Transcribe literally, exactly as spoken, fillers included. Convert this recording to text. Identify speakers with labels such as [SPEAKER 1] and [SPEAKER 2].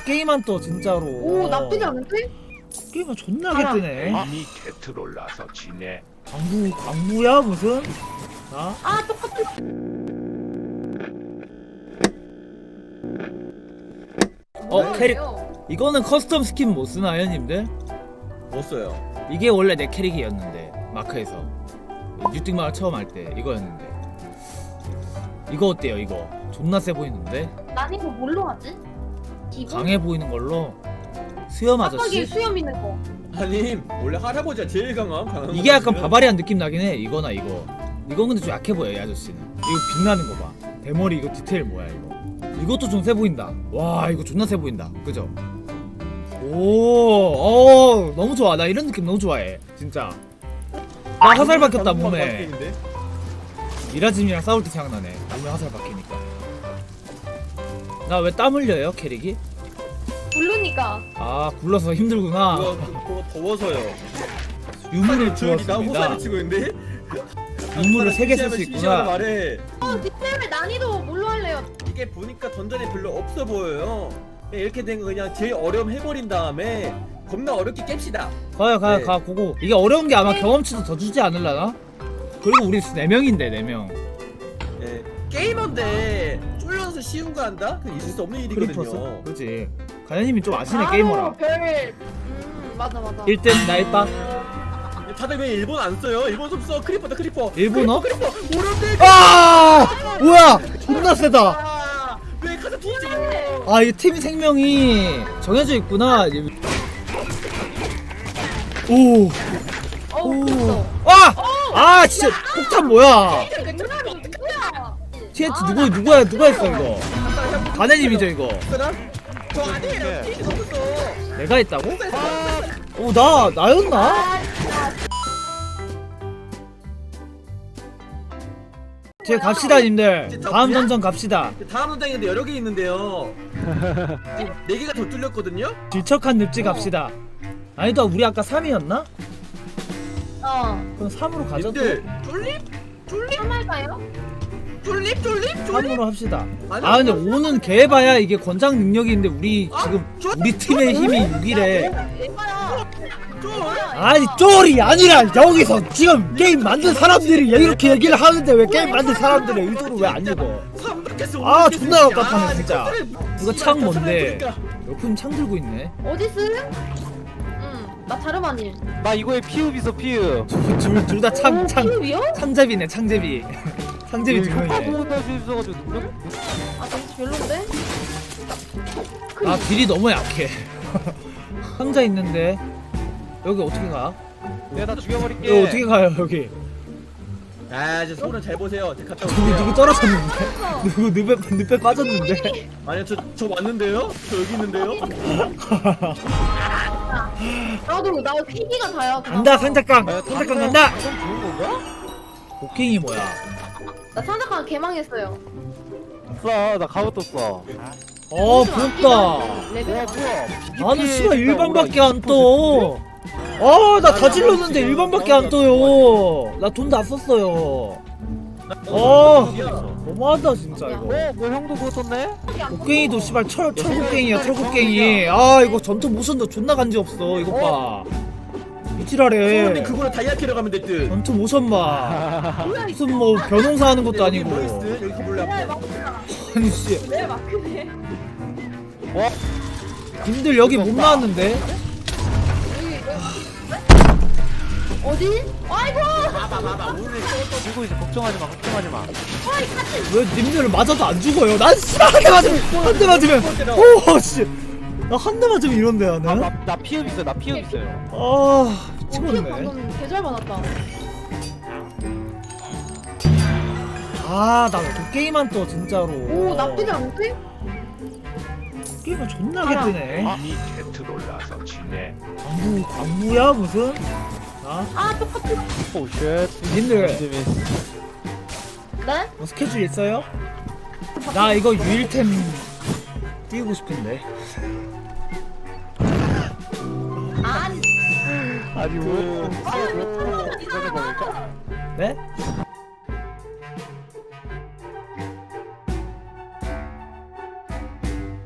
[SPEAKER 1] 게임만 떠 진짜로.
[SPEAKER 2] 오 나쁘지 않은데?
[SPEAKER 1] 게임만 존나게
[SPEAKER 2] 알아.
[SPEAKER 1] 뜨네.
[SPEAKER 3] 이미 개트롤라서 지네.
[SPEAKER 1] 광부 광부야 무슨? 아?
[SPEAKER 2] 아 똑같은.
[SPEAKER 1] 어 캐릭 이거는 커스텀 스킨 못 쓰나요, 님들?
[SPEAKER 4] 못 써요.
[SPEAKER 1] 이게 원래 내 캐릭이었는데 마크에서 뉴띵마을 처음 할 때 이거였는데 이거 어때요? 이거 존나 세 보이는데
[SPEAKER 2] 난 이거 뭘로 하지? 기본?
[SPEAKER 1] 강해 보이는 걸로 수염
[SPEAKER 2] 깜빡이
[SPEAKER 1] 아저씨.
[SPEAKER 2] 수염 있는 거.
[SPEAKER 4] 아니 원래 할아버지가 제일 강함. 강한
[SPEAKER 1] 이게 약간
[SPEAKER 4] 거거든요.
[SPEAKER 1] 바바리안 느낌 나긴 해. 이거나 이거. 이건 근데 좀 약해 보여 이 아저씨는. 이거 빛나는 거 봐. 대머리 이거 디테일 뭐야 이거. 이것도 좀 세 보인다. 와 이거 존나 세 보인다. 그죠? 오, 어 너무 좋아. 나 이런 느낌 너무 좋아해. 진짜. 나 화살 박혔다
[SPEAKER 4] 방금
[SPEAKER 1] 몸에.
[SPEAKER 4] 바뀌는데?
[SPEAKER 1] 미라짐이랑 싸울 때 생각나네. 몸에 화살 박히니까. 나 왜 땀 흘려요 캐릭이?
[SPEAKER 2] 부르니까.
[SPEAKER 1] 아 굴러서 힘들구나.
[SPEAKER 4] 그거, 그거 더워서요.
[SPEAKER 1] 유물을
[SPEAKER 4] 조용히 나
[SPEAKER 1] 주었습니다.
[SPEAKER 4] 호사를 치고 있는데.
[SPEAKER 1] 유물을 세 개 쓸 수
[SPEAKER 4] 심심하면
[SPEAKER 1] 있구나.
[SPEAKER 4] 말해.
[SPEAKER 2] 어 뒷셈을 난이도 뭘로 할래요?
[SPEAKER 4] 이게 보니까 던전이 별로 없어 보여요. 그냥 이렇게 된 거 그냥 제일 어려움 해버린 다음에 겁나 어렵게 깹시다.
[SPEAKER 1] 가요 가요
[SPEAKER 4] 네.
[SPEAKER 1] 가 고고. 이게 어려운 게 아마 경험치도 더 주지 않을라나? 그리고 우리 네 명인데 네 명.
[SPEAKER 4] 예. 게이머인데 쫄려서 쉬운 거 한다? 그 있을 수 없는
[SPEAKER 1] 크리퍼스.
[SPEAKER 4] 일이거든요.
[SPEAKER 1] 그렇지. 가연님이 좀 아시네
[SPEAKER 2] 바로
[SPEAKER 1] 게이머라.
[SPEAKER 2] 별. 음 맞아 맞아.
[SPEAKER 1] 일 등 나 일 바.
[SPEAKER 4] 다들 왜 일본 안 써요? 일본 좀 써. 크리퍼다 크리퍼.
[SPEAKER 1] 일본어?
[SPEAKER 4] 크리퍼. 크리퍼. 오른데.
[SPEAKER 1] 아! 뭐야? 존나 세다.
[SPEAKER 4] 아, 왜 가서 뒤지고?
[SPEAKER 1] 아, 이 팀 생명이 정해져 있구나. 오.
[SPEAKER 2] 어우
[SPEAKER 1] 오.
[SPEAKER 2] 됐어.
[SPEAKER 1] 아! 아, 진짜 폭탄 뭐야?
[SPEAKER 2] 맥주나리 누구야?
[SPEAKER 1] 티엔티 누구 누구야? 누가 했어 이거? 가네님이죠 이거.
[SPEAKER 4] 저 아니에요. 티엔티 없었어.
[SPEAKER 1] 내가 했다고? 오, 나 나였나?
[SPEAKER 2] 아,
[SPEAKER 1] 제 갑시다 님들. 다음 던전 갑시다.
[SPEAKER 4] 다음 문장인데 여러 개 있는데요. 네 개가 더 뚫렸거든요.
[SPEAKER 1] 질척한 늪지 갑시다. 아니다 우리 아까 삼이었나?
[SPEAKER 2] 어.
[SPEAKER 1] 그럼 삼으로 가자. 또.
[SPEAKER 4] 님들 쫄립? 쫄립?
[SPEAKER 2] 할까요?
[SPEAKER 4] 쫄립? 쫄립? 쫄립?
[SPEAKER 1] 삼으로 합시다.
[SPEAKER 4] 아니,
[SPEAKER 1] 아 근데 오는 개봐야 이게 권장 능력이 있는데 우리 지금 우리 팀의 힘이 육이래.
[SPEAKER 2] 에바야.
[SPEAKER 4] 쫄?
[SPEAKER 1] 아니 쫄이 아니라 여기서 지금 게임 만든 사람들이 이렇게 얘기를 하는데 왜 게임 만든 사람들의 의도를 왜 안 읽어? 아, 존나 깝깝하네, 진짜. 이거 창 뭔데? 옆은 창 들고 있네.
[SPEAKER 2] 어디스? 응. 나 자르마님.
[SPEAKER 5] 나 이거에 피읍 있어 피읍.
[SPEAKER 1] 둘 다 창 창
[SPEAKER 2] 피우비요?
[SPEAKER 1] 창잡이네 창잡이. 창잡이 두
[SPEAKER 5] 효과
[SPEAKER 1] 명이네.
[SPEAKER 5] 보고 딸수 있어가지고 능력.
[SPEAKER 2] 아 되게 별론데?
[SPEAKER 1] 아 딜이 너무 약해. 상자 있는데 여기 어떻게 가?
[SPEAKER 5] 내가 다 죽여버릴게.
[SPEAKER 1] 여기 어떻게 가요 여기?
[SPEAKER 4] 아 이제 소는 잘 보세요. 제가 갔다
[SPEAKER 1] 누구
[SPEAKER 4] 올게요.
[SPEAKER 1] 누구 떨어졌는데? 누구 늪에 늪에 빠졌는데?
[SPEAKER 4] 아니요 저, 저 왔는데요? 저 여기 있는데요?
[SPEAKER 2] 나도 나 피기가 다야.
[SPEAKER 1] 간다 상자깡.
[SPEAKER 5] 야,
[SPEAKER 1] 상자깡 간다.
[SPEAKER 5] 좀 좋은 건가?
[SPEAKER 1] 곡괭이 뭐야?
[SPEAKER 2] 나 상자칸 개망했어요.
[SPEAKER 5] 없어 나 가고 떴어.
[SPEAKER 1] 어 부럽다.
[SPEAKER 2] 레벨.
[SPEAKER 5] 와 뭐야?
[SPEAKER 1] 나는 씨발 일반밖에 안 떠. 아, 나 다 질렀는데 일반밖에 안 떠요. 나 돈 다 썼어요. 어, 너무하다 진짜 이거.
[SPEAKER 5] 어, 뭐 형도 그거 떴네?
[SPEAKER 1] 곡괭이도 씨발 철 철곡괭이야 철곡괭이. 아 이거 전투 모션도 존나 간지 없어. 이거 봐.
[SPEAKER 4] 소는
[SPEAKER 1] 이지랄해.
[SPEAKER 4] 그거로 다이아 캐러 가면 됐듯.
[SPEAKER 1] 전투 모션 봐. 무슨 뭐 변호사 하는 것도
[SPEAKER 4] 여기
[SPEAKER 1] 아니고.
[SPEAKER 4] 뭐 있음? 여기 몰래
[SPEAKER 2] 네,
[SPEAKER 4] 앞에.
[SPEAKER 1] 아니 씨.
[SPEAKER 2] 내 마크네.
[SPEAKER 1] 님들 여기 못 나왔는데?
[SPEAKER 2] 여기 어디? 아이고!
[SPEAKER 4] 봐봐 봐봐 오늘
[SPEAKER 5] 또 들고 있어 걱정하지 마 걱정하지 마.
[SPEAKER 1] 왜 님들 맞아도 안 죽어요? 난 씨발 한 대 맞으면 한 대 맞으면 오 씨. 나 한 대 맞으면 이런데 나는.
[SPEAKER 5] 나, 나 피읍 있어 나 피읍 있어요.
[SPEAKER 1] 아
[SPEAKER 2] 피어
[SPEAKER 1] 미치겠네.
[SPEAKER 2] 방금 개잘 받았다.
[SPEAKER 1] 아나 그 게임만 떠 진짜로.
[SPEAKER 2] 오 나쁘지 않은데?
[SPEAKER 1] 게임만 존나게
[SPEAKER 2] 알아.
[SPEAKER 1] 뜨네.
[SPEAKER 3] 이미 개트롤라서 지네.
[SPEAKER 1] 광부 광부야 무슨? 아
[SPEAKER 2] 아 똑같은.
[SPEAKER 5] 오 쉣.
[SPEAKER 1] 님들
[SPEAKER 5] 재밌어.
[SPEAKER 2] 네?
[SPEAKER 1] 뭐 스케줄 있어요? 나 이거 유일템 띄우고 싶은데.
[SPEAKER 2] 아니.
[SPEAKER 5] 아니 뭐.
[SPEAKER 2] 아, 왜 처음에는 이상한 거야?
[SPEAKER 1] 네?